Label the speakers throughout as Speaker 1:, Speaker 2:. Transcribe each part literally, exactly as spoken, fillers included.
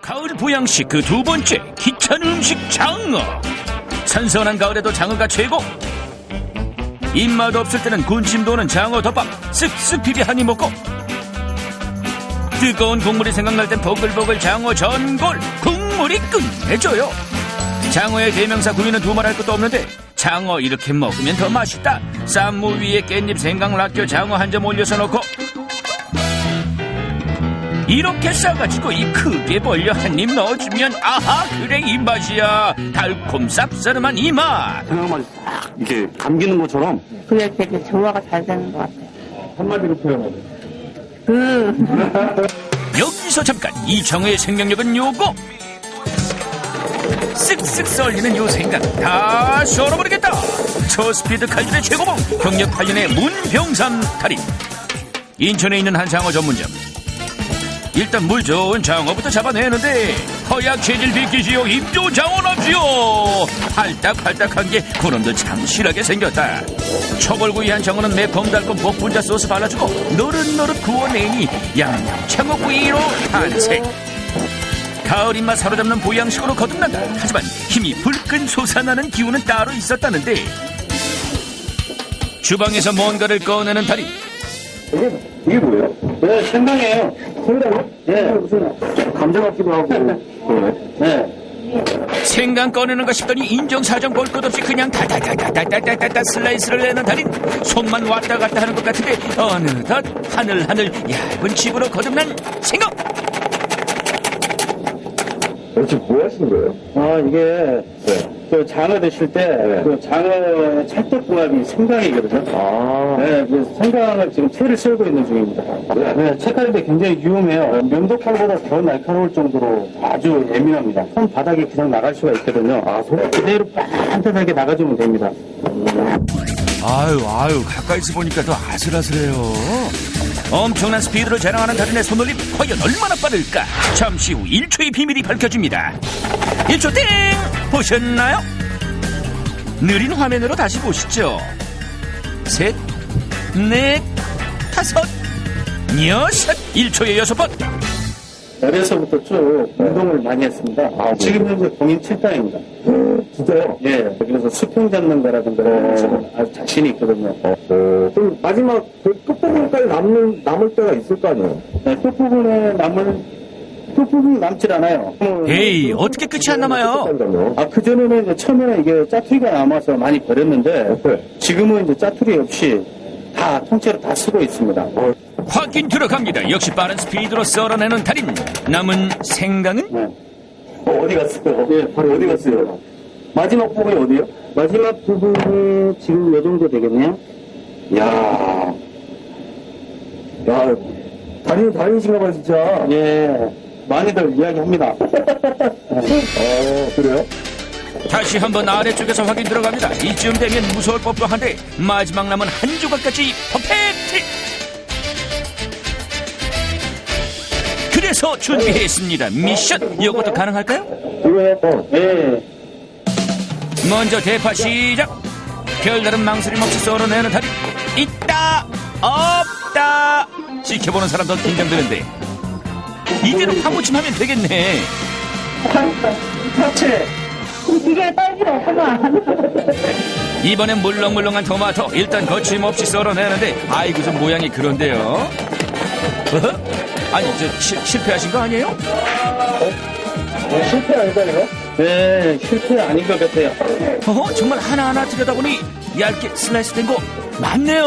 Speaker 1: 가을 보양식 그 두 번째 귀찮은 음식 장어. 선선한 가을에도 장어가 최고. 입맛 없을 때는 군침 도는 장어 덮밥 쓱쓱 비비 한입 먹고, 뜨거운 국물이 생각날 땐 보글보글 장어 전골 국물이 끝내줘요. 장어의 대명사 구이는 두말할 것도 없는데 장어 이렇게 먹으면 더 맛있다. 쌈무 위에 깻잎 생강 락교 장어 한 점 올려서 넣고 이렇게 싸가지고 입 크게 벌려 한 입 넣어주면 아하 그래 이 맛이야. 달콤 쌉싸름한 이 맛.
Speaker 2: 생각만 싹 이렇게 감기는 것처럼.
Speaker 3: 그게 되게 조화가 잘 되는 것 같아요.
Speaker 2: 한마디로 표현하면
Speaker 3: 그
Speaker 1: 여기서 잠깐 이 장어의 생명력은 요거. 쓱쓱 썰리는 요 생각 다 썰어버리겠다. 초스피드 칼질의 최고봉 경력 팔 년의 문병삼 달인. 인천에 있는 한 장어 전문점. 일단 물 좋은 장어부터 잡아내는데 허약 체질 비키시오. 입 좋은 장어랍시오. 팔딱팔딱한 게 그놈도 참 실하게 생겼다. 초벌구이한 장어는 매콤달콤 복분자 소스 발라주고 노릇노릇 구워내니 양념 장어구이로 탄생. 가을 입맛 사로잡는 보양식으로 거듭난다. 하지만 힘이 불끈 솟아나는 기운은 따로 있었다는데 주방에서 뭔가를 꺼내는 달인.
Speaker 2: 이게, 이게 뭐예요?
Speaker 4: 네, 생강이에요.
Speaker 2: 생강이요?
Speaker 4: 네, 무슨
Speaker 2: 감자 같기도 하고 그러네.
Speaker 4: 네.
Speaker 1: 생강 꺼내는가 싶더니 인정사정 볼 것 없이 그냥 다다다다다다다다 슬라이스를 내는 달인. 손만 왔다 갔다 하는 것 같은데 어느덧 하늘하늘 얇은 집으로 거듭난 생강.
Speaker 2: 지금 뭐 하시는 거예요?
Speaker 4: 아, 이게,
Speaker 2: 네.
Speaker 4: 그 장어 드실 때,
Speaker 2: 네.
Speaker 4: 그 장어의 찰떡궁합이 생강이거든요.
Speaker 2: 아.
Speaker 4: 네, 그 생강을 지금 채를 썰고 있는 중입니다.
Speaker 2: 네.
Speaker 4: 네, 채칼인데 굉장히 유용해요. 면도칼보다 더 날카로울 정도로 아주 예민합니다. 손바닥에 그냥 나갈 수가 있거든요. 아, 손 그대로 반듯하게 나가주면 됩니다.
Speaker 1: 아유 아유 가까이서 보니까 더 아슬아슬해요. 엄청난 스피드를 자랑하는 달인의 손놀림 과연 얼마나 빠를까. 잠시 후 일 초의 비밀이 밝혀집니다. 일 초 땡! 보셨나요? 느린 화면으로 다시 보시죠. 셋, 넷, 다섯, 여섯. 일 초에 여섯 번.
Speaker 4: 어려서부터 쭉 운동을 많이 했습니다.
Speaker 2: 아, 네.
Speaker 4: 지금 현재 공인 칠 단입니다.
Speaker 2: 진짜요?
Speaker 4: 예, 그래서 수평 잡는 거라든가 이런 것은 아주 자신이 있거든요.
Speaker 2: 어, 그럼 마지막 그 끝부분까지 남는, 남을 때가 있을 거 아니에요?
Speaker 4: 네, 끝부분에 남을, 끝부분이 남질 않아요.
Speaker 1: 에이 어떻게 끝이 안 남아요?
Speaker 4: 아, 그전에는 이제 처음에는 이게 짜투리가 남아서 많이 버렸는데,
Speaker 2: 네.
Speaker 4: 지금은 이제 짜투리 없이 다 통째로 다 쓰고 있습니다.
Speaker 2: 어.
Speaker 1: 확인 들어갑니다. 역시 빠른 스피드로 썰어내는 달인. 남은 생강은?
Speaker 4: 네.
Speaker 2: 어, 어디 갔어요?
Speaker 4: 예, 바로 어디 갔어요?
Speaker 2: 마지막 부분이 어디요?
Speaker 4: 마지막 부분이 지금 요 정도 되겠네요.
Speaker 2: 야 야, 다니는 다니신가 봐요, 진짜.
Speaker 4: 예, 많이들 이야기합니다.
Speaker 2: 어, 그래요?
Speaker 1: 다시 한번 아래쪽에서 확인 들어갑니다. 이쯤 되면 무서울 법도 한데 마지막 남은 한 조각까지 퍼펙트. 그래서 준비했습니다. 미션 이것도 가능할까요?
Speaker 2: 이거요? 어.
Speaker 4: 예.
Speaker 1: 먼저 대파 시작. 별다른 망설임 없이 썰어내는 달인. 있다 없다 지켜보는 사람 더 긴장되는데 이대로 파무침하면 되겠네.
Speaker 4: 파채.
Speaker 3: 기계에 딸 필요 없구만.
Speaker 1: 이번엔 물렁물렁한 토마토 일단 거침없이 썰어내는데 아이고 좀 모양이 그런데요. 어허? 아니 저 시, 실패하신 거 아니에요?
Speaker 2: 어, 실패 아닐까요?
Speaker 4: 네, 실패 아닌 것 같아요.
Speaker 1: 어허? 정말 하나하나 들여다보니 얇게 슬라이스 된 거 맞네요.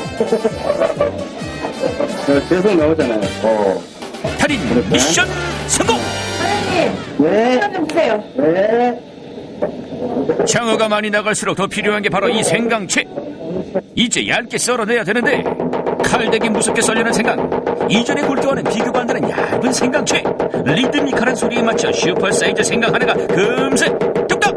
Speaker 4: 네, 계속 나오잖아요.
Speaker 2: 어.
Speaker 1: 달인 미션 성공.
Speaker 3: 사장님,
Speaker 4: 네,
Speaker 3: 시간 좀 주세요.
Speaker 4: 네.
Speaker 1: 장어가 많이 나갈수록 더 필요한 게 바로 이 생강채. 이제 얇게 썰어내야 되는데 칼대기 무섭게 썰리는 생강. 이전의 굴기와는 비교가 안 되는 얇은 생강채. 리드미컬한 소리에 맞춰 슈퍼 사이즈 생강 하나가 금세 뚝딱.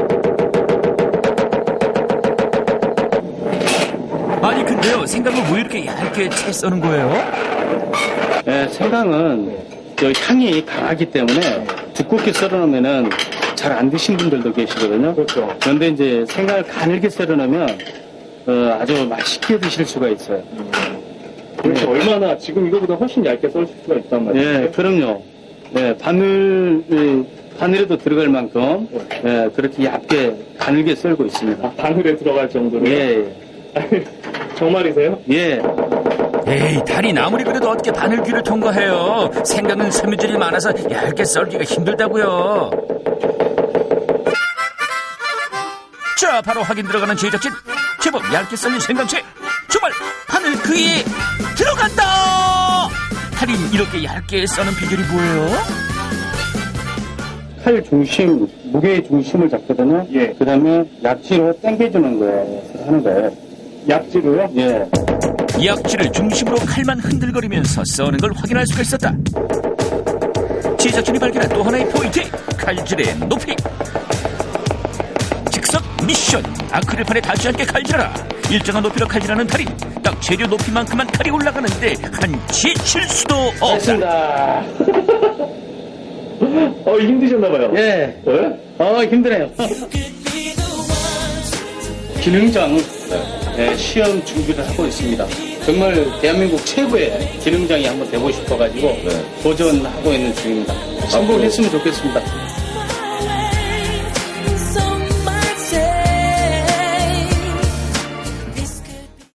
Speaker 1: 아니 근데요 생강을 왜 이렇게 얇게 채 써는 거예요?
Speaker 4: 네, 생강은 저 향이 강하기 때문에 두껍게 썰어놓으면은 잘 안 드신 분들도 계시거든요.
Speaker 2: 그렇죠.
Speaker 4: 그런데 이제 생강을 가늘게 썰어놓으면 어, 아주 맛있게 드실 수가 있어요.
Speaker 2: 그렇죠. 얼마나 지금 이거보다 훨씬 얇게 썰 수가 있단 말이에요.
Speaker 4: 예, 그럼요. 예, 바늘, 예, 바늘에도 들어갈 만큼, 예, 그렇게 얇게 가늘게 썰고 있습니다.
Speaker 2: 바늘에 들어갈 정도로.
Speaker 4: 예,
Speaker 2: 정말이세요?
Speaker 4: 예.
Speaker 1: 에이, 달인 아무리 그래도 어떻게 바늘귀를 통과해요. 생각은 섬유질이 많아서 얇게 썰기가 힘들다고요. 자, 바로 확인 들어가는 제작진. 제법 얇게 썰린 생강채. 정말 바늘귀에 들어간다. 달인 이렇게 얇게 써는 비결이 뭐예요?
Speaker 4: 칼 중심, 무게의 중심을 잡거든요.
Speaker 2: 예.
Speaker 4: 그 다음에 약지로 당겨주는 거예요. 하는 거예요.
Speaker 2: 약지로요?
Speaker 4: 예.
Speaker 1: 약지를 중심으로 칼만 흔들거리면서 써는 걸 확인할 수가 있었다. 제작진이 발견한 또 하나의 포인트, 칼질의 높이. 즉석 미션, 아크릴판에 닿지 않게 칼질하라. 일정한 높이로 칼질하는 달인. 딱 재료 높이만큼만 칼이 올라가는데 한치 실수도 없다.
Speaker 4: 됐습니다.
Speaker 2: 어, 힘드셨나봐요.
Speaker 4: 예.
Speaker 2: 왜?
Speaker 4: 어, 힘드네요. 기능장 예, 시험 준비를 하고 있습니다. 정말 대한민국 최고의 기능장이 한번 되고 싶어가지고 도전하고 있는 중입니다. 성공했으면 좋겠습니다.